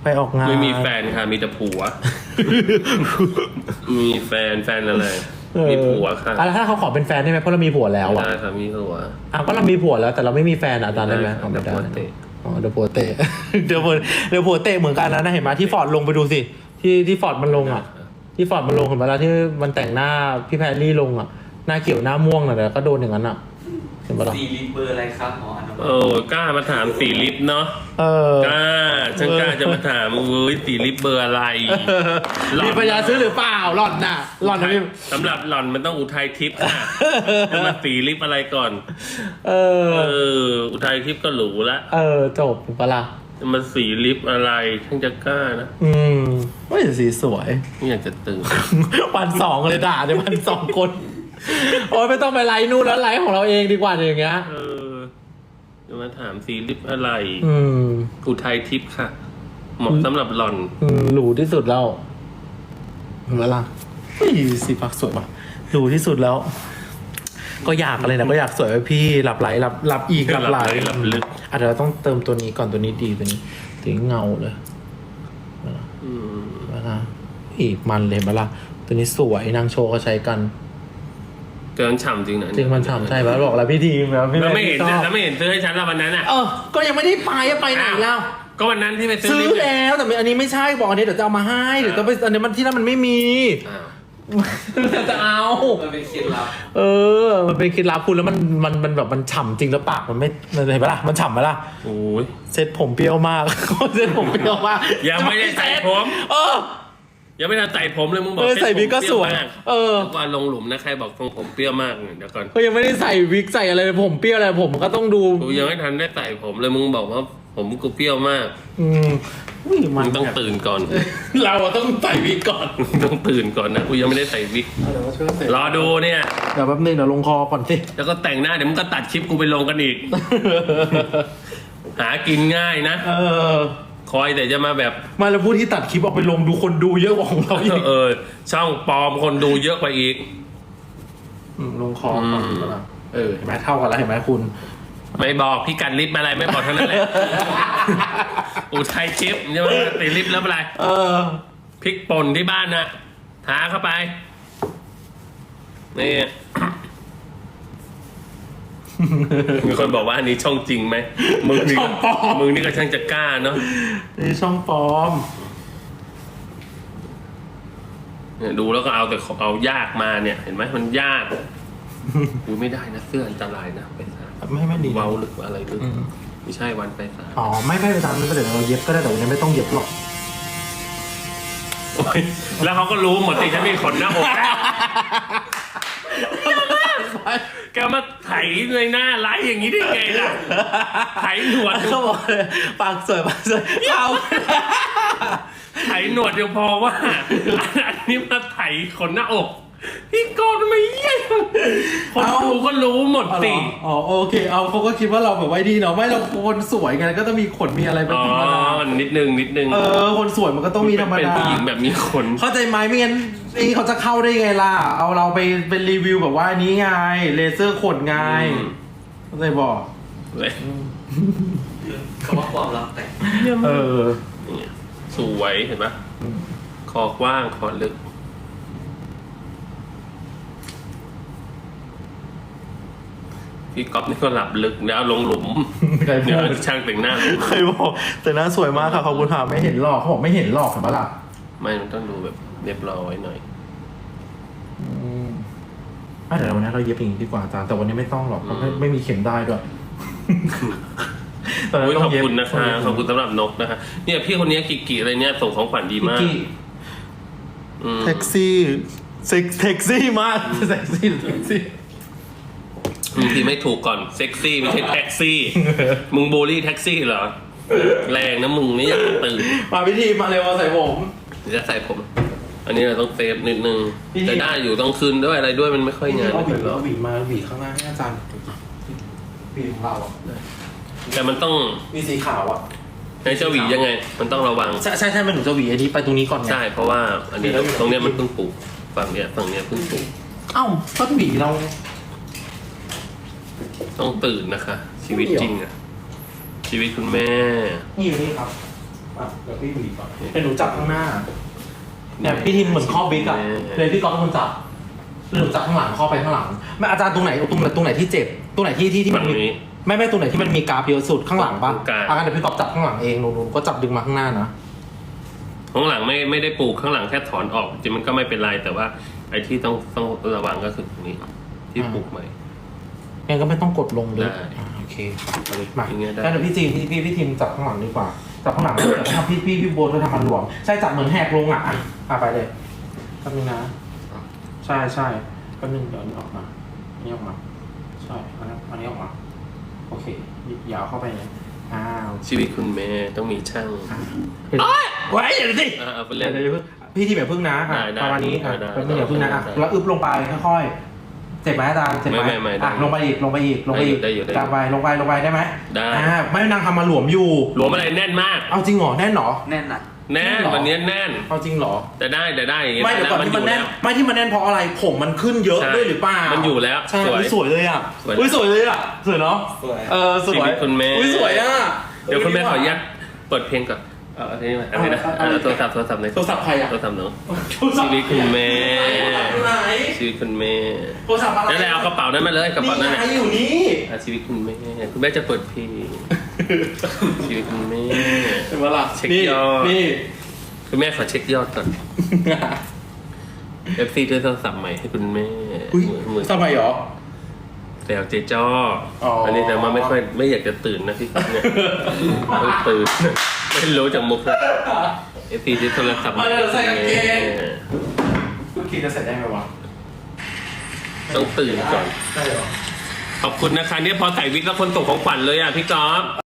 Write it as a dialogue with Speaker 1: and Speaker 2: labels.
Speaker 1: ไปออกงาน
Speaker 2: ไม่มีแฟนค่ะมีแต่ผัว มีแฟนอะไรมีผัวค่ะ
Speaker 1: แล้วถ้าเขาขอเป็นแฟนได้ไหมเพราะเรามีผัวแล้วอ่ะ
Speaker 2: ได้ค่ะมีผัว
Speaker 1: ก็เรามีผัวแล้วแต่เราไม่มีแฟนอาจารย์ได้ไหม
Speaker 2: เดี๋ยวผัวเตะ
Speaker 1: เดี๋ยวผัวเตะ เดี๋ยวผัวเตะเหมือนกันนะเห็นไหมที่ฟอร์ดลงไปดูสิที่ฟอร์ดมันลงอ่ะที่ฟอร์ดมันลงเห็นไหมล่ะที่มันแต่งหน้าพี่แพรรี่ลงอ่ะหน้าเขียวหน้าม่วงน่ะแต่ก็โดนอย่างนั้นอ่ะเห็นไหมล่ะ
Speaker 3: 4 ลิตรเบอร์อะไรครับหมออนุมัติ
Speaker 2: โอ้กล้ามาถาม4 ลิตรเนาะกล้าฉันกล้าจะมาถาม4 ลิตรเบอร์อะไร
Speaker 1: มีปัญญาซื้อหรือเปล่าหล่อนน่ะหล่อนนะพี่
Speaker 2: สำหรับหล่อนมันต้องอุทัยทิพย์ค่ะจะมา4 ลิตรอะไรก่อนอุทัยทิพย์ก็หรูละ
Speaker 1: จบถูกปะล่ะ
Speaker 2: จะมา4 ลิตรอะไรฉันจะกล้านะ
Speaker 1: ว่าจะสีสวย
Speaker 2: ไม่อยากจะตื่น
Speaker 1: วัน2เลยด่าในวัน2 คนโอ้ยไม่ต้องไปไลน์นู่นแล้วไลน์ของเราเองดีกว่าอย่างเงี้ย
Speaker 2: จะมาถาม4 ลิตรอะไรอุทัยทิพย์ค่ะเหมาะสำหรับหล่อน
Speaker 1: หรูที่สุดแล้วเห็นไหมล่ะสีพักสวยป่ะหรูที่สุดแล้ว ก็อยากอะไรนะก็อยากสวยไปพี่หลับไหลหลับอีกหลับไหล
Speaker 2: หลับลึก
Speaker 1: อาจจะเราต้องเติมตัวนี้ก่อนตัวนี้ดีตัวนี้ถึงเงาเลยนะอีกมันเลยมาล่ะตัวนี้สวยนางโชว์เขาใช้กัน
Speaker 2: เกินฉ่ำจริงนะ
Speaker 1: จริงมันฉ่ำใช่ไหมบอกแล้วพี่ทีมแล้ว
Speaker 2: ไม่เห็นซื้อให้ฉันแล้ววันนั้นอ่ะ
Speaker 1: ก็ยังไม่ได้ไปไหนแล้ว
Speaker 2: ก็วันนั้นที่ไปซื้
Speaker 1: อแล้วแต่อันนี้ไม่ใช่บอกอันนี้เดี๋ยวจะเอามาให้เดี๋ยวต้องไปอันนี้มันที่นั่นมันไม่มีจะเอา
Speaker 3: มันเป็นเคล็ดลับ
Speaker 1: มันเป็นเคล็ดลับคุณแล้วมันแบบมันฉ่ำจริงแล้วปากมันไม่เห็นปะล่ะมันฉ่ำไหมล่ะ
Speaker 2: โอ้ย
Speaker 1: เซ็ตผมเปรี้ยวมากเซ็ตผมเปรี้ยวมาก
Speaker 2: ยังไม่ได้ใส่ผมยังไม่ได้ใส่ผมเลยมึงบอก
Speaker 1: ใส่วิกก็สวย
Speaker 2: ว่าลงหลุมนะใครบอกทรงผมเปรี้ยวมากเดี๋ยวก่อน
Speaker 1: ก็ยังไม่ได้ใส่วิกใส่อะไรผมเปรี้ยวอะไรผมก็ต้องดู
Speaker 2: กูยังไม่ทันได้ใส่ผมเลยมึงบอกว่าผมกูเปรี้ยวมากมึงต้องตื่นก่อน
Speaker 1: เราต้องใส่วิกก่อน
Speaker 2: ต้องตื่นก่อนนะกูยังไม่ได้ใส่วิกรอดูเนี่ย
Speaker 1: เดี๋ยวแป๊บนึงเดี๋ยวลงคอก่อนสิ
Speaker 2: แล้วก็แต่งหน้าเดี๋ยวมึงก็ตัดคลิปกูไปลงกันอีกหากินง่ายนะคอยแต่จะมาแบบ
Speaker 1: มาแล้วพูดที่ตัดคลิปออกไปลงดูคนดูเยอะกว่าของเราอีก
Speaker 2: ช่องปลอมคนดูเยอะกว่าอีก
Speaker 1: ลงคอก่อนเห็นไหมเท่ากันแล้วเห็นไหมคุณ
Speaker 2: ไม่บอกพี่กันลิฟต์อะไรไม่บอกเท่านั้นแหละอุทัยทิพย์ใช่ไหมติดลิฟต์แล้วอะไรพริกป่นที่บ้านนะทาเข้าไปนี่มีคนบอกว่าอันนี้ช่องจริงไหมมึงนี่ก็ช่างจะกล้าเนาะ
Speaker 1: นี่ช่องปลอม
Speaker 2: เนี่ยดูแล้วก็เอายากมาเนี่ยเห็นไหมมันยากกูไม่ได้นะเสื้ออันตรายนะไปซะ
Speaker 1: ไม่ดี
Speaker 2: เว้าหรืออะไรหรือไม่ใช่วันไปซะ
Speaker 1: ไม่ไปตามนั้นก็เดี๋ยวเราเย็บก็ได้แต่วันนี้ไม่ต้องเย็บหรอก
Speaker 2: แล้วเขาก็รู้หมดสิฉันมีขนหน้าอกแกมาไถในหน้าไลฟ์อย่างนี้ได้ไงล่ะไถหนวด
Speaker 1: เขาบอกปากสวยเอา
Speaker 2: ไถหนวดเดียวพอว่าอันนี้มาไถขนหน้าอกพี่กอนไม่เยี่ยมคนดูก็รู้หมดสิ
Speaker 1: โอเคเขาก็คิดว่าเราแบบไว้ดีเนาะไม่เราคนสวยไงก็ต้องมีขนมีอะไรเป็นธรรมดา
Speaker 2: นิดนึง
Speaker 1: คนสวยมันก็ต้องมีธรรมดา
Speaker 2: เป็นผู้หญิงแบบมีขน
Speaker 1: เข้าใจไหมไม่งั้นเขาจะเข้าได้ไงล่ะเอาเราไปเป็นรีวิวแบบว่านี้ไงเลเซอร์ขนไงเข้าใจบอก
Speaker 3: คำว่าความลับแต่
Speaker 2: สวยเห็นปะคอกว้างคอลึกพี่ก๊อฟนี่ก็หลับลึกแล้วลงหลุมเดี๋ยวช่างแต่งหน้า
Speaker 1: ใครบอกแต่หน้าสวยมากค่ะขอบคุณค่ะไม่เห็นหรอกเขาบอกไม่เห็นหรอกเห็นปะล่ะ
Speaker 2: ไม่มันต้องดูแบบเรียบร้อยหน่อย
Speaker 1: เดี๋ยววันนี้เราเย็บอย่างนี้ดีกว่าอาจารย์แต่วันนี้ไม่ต้องหรอกเพราะไม่มีเข็มได้ด้วย
Speaker 2: ขอบคุณนะคะขอบคุณสำหรับนกนะคะเนี่ยพี่คนนี้กิอะไรเนี่ยส่งของขวัญดีมาก
Speaker 1: แท็กซี่มากแท็กซี่
Speaker 2: บางทีไม่ถูกก่อนเซ็กซี่ไม่ใช่แท็กซี่มึงบูลลี่แท็กซี่เหรอแรงนะมึงไม่อยากตื่น
Speaker 1: มาพิธีมาเร็วมาใส่ผม
Speaker 2: จะใส่ผมอันนี้เราต้องเซฟนิดนึงแต่ได้อยู่ต้องคืนด้วยอะไรด้วยมันไม่ค่อยงาน
Speaker 1: เอาหวีมาหวีข้างหน้าให้อาจารย์หวีของเรา
Speaker 2: แต่มันต้อง
Speaker 1: มีสีขาว
Speaker 2: ในเจ้าหวียังไงมันต้องระวัง
Speaker 1: ใช่มันหนูจะหวีอันนี้ไปตรงนี้ก่อน
Speaker 2: ใช่เพราะว่าอันนี้ตรงเนี้ยมันเพิ่งปลูกฝั่งเนี้ยเพิ่งปลูก
Speaker 1: ก็หวีเรา
Speaker 2: ต้องตื่นนะคะชีวิตจริงชีวิตคุณแม่
Speaker 1: นี่ครับเดี๋ยวพี่บีบก่อนเป็นหนูจับข้างหน้าเนี่ยพี่ทีมเหมือนข้อบิ๊กอะเลยพี่ก๊อฟเป็นคนจับหนูจับข้างหลังข้อไปข้างหลังไม่อาจารย์ตรงไหนที่เจ็บตรงไหนที่มันมีไม่ตรงไหนที่มันมีกราฟเยอะสุดข้างหลังปะอาจารย์เดี๋ยวพี่ก๊อฟจับข้างหลังเองหนูก็จับดึงมาข้างหน้านะ
Speaker 2: ข้างหลังไม่ได้ปลูกข้างหลังแค่ถอนออกจริงมันก็ไม่เป็นไรแต่ว่าไอ้ที่ต้องระวังก็คือตรงนี้ที่ปลูกใหม่
Speaker 1: งั้นก็ไม่ต้องกดลงเลย
Speaker 2: ได้
Speaker 1: โอเคมา
Speaker 2: อย่างเงี้ยได้
Speaker 1: งั้นเดี๋ยวพี่จีนพี่ทีมจับข้างหลังดีกว่าจับข้างหลังแล้วทำพี่โบนด้วยทำมันหลวมใช่จับเหมือนแหกลงอ่ะไปเลยแป๊บนึงนะใช่แป๊บนึงเดี๋ยวอันนี้ออกมาอันนี้ออกมาใช่อันนี้ออกมาโอเคอย่าเอาเข้าไปเลย
Speaker 2: ชีวิตคุณแม่ต้องมีช่าง
Speaker 1: ไว้อย่าสิ
Speaker 2: เอาไปเล่น
Speaker 1: พี่ทีมอย่าพึ่งนะประมาณนี้แป๊บนึงอย่าพึ่งนะแล้วอึบลงไปค่อยๆเจ็บไหมอาจารย์เจ็บไหมลงไปอีกตามไปลงไปได้ไหมได้ไม่นางทำมาหลวมอยู่
Speaker 2: หลวมอะไรแน่นมาก
Speaker 1: เอาจริงเหรอแน่นเหรอ
Speaker 3: แน่นหนัก
Speaker 2: แน่นวันนี้แน่น
Speaker 1: เอาจริงเหรอ
Speaker 2: แต่ได้อย่างเงี้ย
Speaker 1: ไม่เดี๋ยวก่อนที่มันแน่นไม่ที่มันแน่นเพราะอะไรผมมันขึ้นเยอะด้วยหรือเปล่ามัน
Speaker 2: อยู่แล้ว
Speaker 1: ใช่สวยเลยอ่ะสวยเลยอ่ะสวยเนาะ
Speaker 3: สวย
Speaker 1: สวย
Speaker 2: ชีวิตคุณแม่
Speaker 1: สวยอ่ะ
Speaker 2: เดี๋ยวคุณแม่ขออนุญาตเปิดเพลงก่อนอันนี้มาอะไรนะโทรศัพท์เลย
Speaker 1: โทรศัพท์ใครอ่ะ
Speaker 2: โทรศัพท์หนูชีวิตคุณแม่
Speaker 1: ไหน
Speaker 2: ชีวิตคุณแม่
Speaker 1: โทรศัพท์อะไร
Speaker 2: นั่นแหละเอากระเป๋านั้นมาเลยกระเป๋านั้น
Speaker 1: นี่ไงอยู่นี่
Speaker 2: ชีวิตคุณแม่คุณแม่จะเปิดเพลงชีวิตคุณแม่
Speaker 1: เป็นเวลา
Speaker 2: เช็คยอด
Speaker 1: นี่
Speaker 2: คุณแม่ขอเช็คยอดก่อน FC ด้วยโทรศัพท์ใหม่ให้คุณแม่
Speaker 1: ทำไมหรอ
Speaker 2: แต่เจ๊จ้ออันนี้แต่ว่าไม่อยากจะตื่นนะพี่ครับเนี่ยไม่ตื่นไม่รู้จากมุกนะ FC ด้วยโทรศัพท์ใหม่
Speaker 1: ใส่กางเกงคุณคิดจะใส่ได้ไหมวะ
Speaker 2: ต้องตื่นก่อน
Speaker 1: ได้หรอ
Speaker 2: ขอบคุณนะคะเนี่ยพอใส่วิกแล้วคนส่งของขวัญเลยอ่ะพี่ก๊อฟ